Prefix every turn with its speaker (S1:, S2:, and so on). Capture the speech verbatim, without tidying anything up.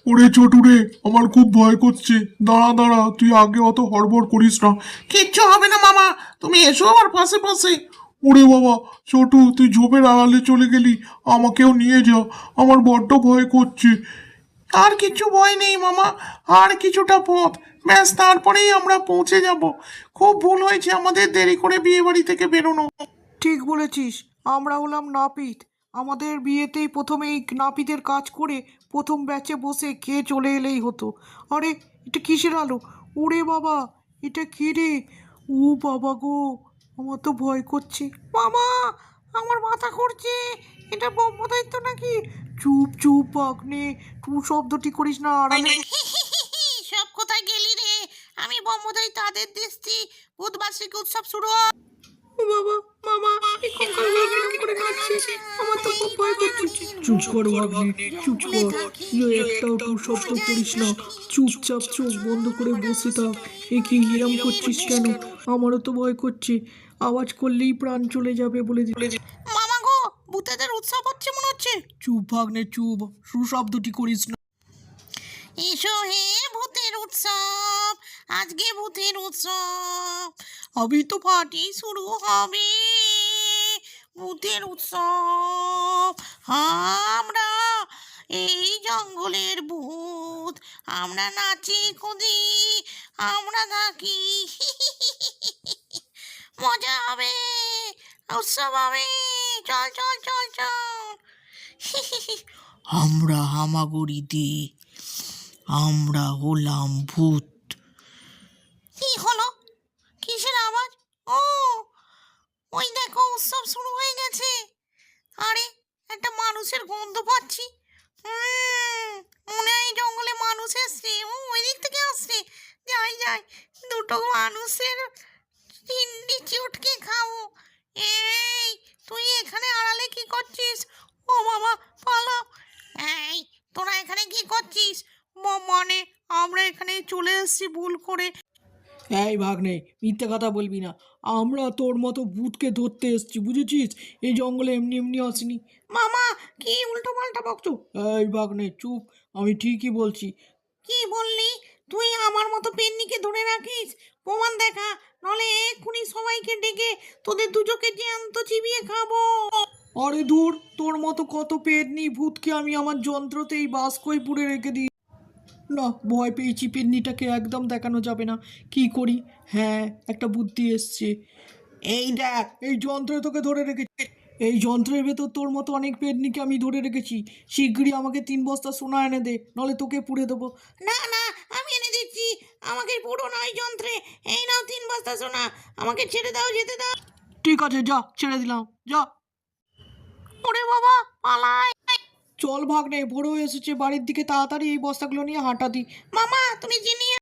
S1: ওরে ছোটু রে, আমার খুব ভয় করছে। দাঁড়া দাঁড়া, তুই আগে অত হড়বড় করিস না।
S2: কিচ্ছু হবে না মামা, তুমি এসো আমার পাশে পাশে।
S1: ওরে বাবা, ছোটু তুই ঝোপের আড়ালে চলে গেলি, আমাকেও নিয়ে যা, আমার বড্ড ভয় করছে।
S2: আর কিছু ভয় নেই মামা, আর কিছুটা পথ, ব্যাস তারপরেই আমরা পৌঁছে যাব। খুব ভুল হয়েছে আমাদের দেরি করে বিয়ে বাড়ি থেকে বেরোনো।
S3: ঠিক বলেছিস, আমরা হলাম নাপিত। আমাদের বিয়েতেই প্রথমে এই নাপিতের কাজ করে প্রথম ব্যাচে বসে খেয়ে চলে এলেই হতো। আরে এটা কিসের আলো? ওরে বাবা, এটা কি রে? ও বাবা গো, আমার তো ভয় করছে। মামা, আমার মাথা করছে। এটা ব্রহ্মদৈত্য নাকি? চুপ চুপ ভাগ্নে, টু শব্দটি করিস না আড়ালে।
S4: সব কোথায় গেলি রে? আমি ব্রহ্মদৈ তাদের দেখছি, বুধবার্ষিক উৎসব শুরু।
S3: ও বাবা, মামা, এই কঙ্কালগুলো কিরম করে কাটছে? আমার তো খুব ভয় করছে। চুপ কর ভাগ্নে, চুপ কর। তুই একটাও টু শব্দ করিস না, চুপচাপ চোখ বন্ধ করে বসে থাক। এ কি হিরাম করছিস কেন? আমারও তো ভয় করছে, আওয়াজ করলেই প্রাণ চলে যাবে বলে দিলে।
S4: মামা গো, ভূতেদের উৎসব হচ্ছে মনে হচ্ছে।
S3: চুপ ভাগ্নে চুপ, সুশব্দটি করিস না।
S4: এসো হে ভূতের উৎসব, আজকে ভূতের উৎসব,
S3: আমি তো
S4: পার্টি শুরু হবে। ভূতের উৎসব, আমরা এই জঙ্গলের ভূত, আমরা নাচি কুদি, আমরা থাকি। মজা হবে, উৎসব হবে, চল চল চল চল।
S3: আমরা হামাগুড়ি দি, আমরা হলাম ভূত।
S4: কি হলো? কিসের আওয়াজ? ও, ওই দেখো উৎসব শুরু হয়ে গেছে। আরে, একটা মানুষের গন্ধ পাচ্ছি। হুম, মনে হয় এই জঙ্গলে মানুষ এসছে। ও ওই দিক থেকে আসছে। যাই যাই, দুটো মানুষের চিন্ডি চটকে খাবো। এই, তুই এখানে আড়ালে কি করছিস? ও বাবা, পালাও। এই, তোরা এখানে কি করছিস?
S3: ম- মানে আমরা এখানে চলে এসেছি ভুল করে। এই ভাগ্নে, মিথ্যে কথা বলবি না। আমরা তোর মতো ভূতকে ধরতে এসেছি, বুঝেছিস? এই জঙ্গলে এমনি এমনি আসিনি।
S4: মামা, কি উল্টো পাল্টা বকছো?
S3: এই ভাগ্নে চুপ, আমি ঠিকই বলছি।
S4: কি বললি? তুই আমার মতো পেন্নিকে ধরে রাখিস? প্রমাণ দেখা, নলে এক্ষুনি সবাইকে ডেকে তোদের দুজোকে জ্যান্ত চিবিয়ে খাবো।
S3: আরে দূর, তোর মতো কত পেটনি ভূতকে আমি আমার যন্ত্রতেই বাস্কই পুড়ে রেখে দিই। না, ভয় পেয়েছি, পেন্নিটাকে একদম দেখানো যাবে না। কি করি? হ্যাঁ, একটা বুদ্ধি এসছে। এই দেখ, এই যন্ত্রে তোকে ধরে রেখেছি। এই যন্ত্রের ভেতর তোর মতো অনেক পেটনিকে আমি ধরে রেখেছি। শিগগিরই আমাকে তিন বস্তা সোনা এনে দে, নলে তোকে পুড়ে দেবো।
S4: না না, আমি এনে দিচ্ছি। আমাকে পুরো নয় যন্ত্রে। এই নাও তিন বস্তা সোনা, আমাকে ছেড়ে দাও, যেতে দাও।
S3: ঠিক আছে, যা, ছেড়ে দিলাম, যা।
S4: ওরে বাবা, পালাই।
S3: চল ভাগ্নে, ভোর হয়ে এসেছে, বাড়ির দিকে তাড়াতাড়ি এই বস্তাগুলো নিয়ে হাঁটা দি।
S4: মামা, তুমি চিনি